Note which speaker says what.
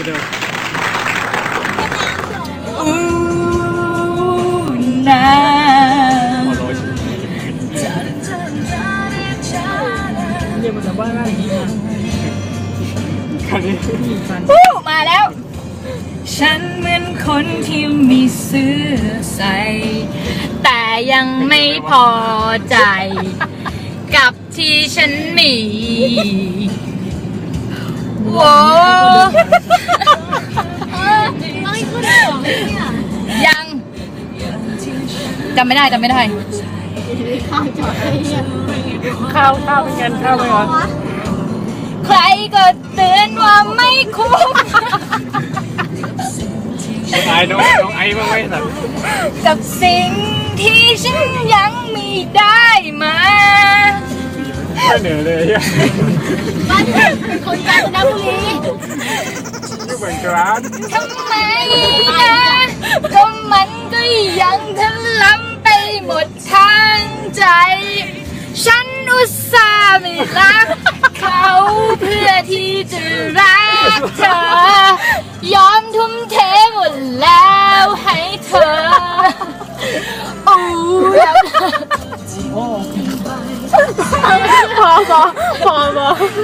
Speaker 1: ดู
Speaker 2: นะ
Speaker 1: เรียกมาจากบ้านอะไรนี่คันนี้
Speaker 2: มาแล้วฉันเหมือนคนที่มีเสื้อใส่แต่ยังไม่พอใจกับที่ฉันมีโว้ยังจำไม่ได้
Speaker 1: ข้าวเป็นกันข้าวไหมวะ
Speaker 2: ใครก็เตือนว่าไม่คุ้ม
Speaker 1: ไอ้น้องไอ้บ้างไหมสัตว์
Speaker 2: กับสิ่งที่ฉันยังไม่ได้มา
Speaker 1: ไม่เหนื่อยเลย
Speaker 3: บ้านเป็นคนกาญจนบุรี
Speaker 1: อยู่เหมือนกัน
Speaker 2: ทำไมนะก็มันก็ยังทะล้ำไปหมดทางใจฉันอุตส่าห์ไม่รักเขาเพื่อที่จะรักเธอยอมทุ่มเทหมดแล้วให้เธอโอ้
Speaker 1: พอ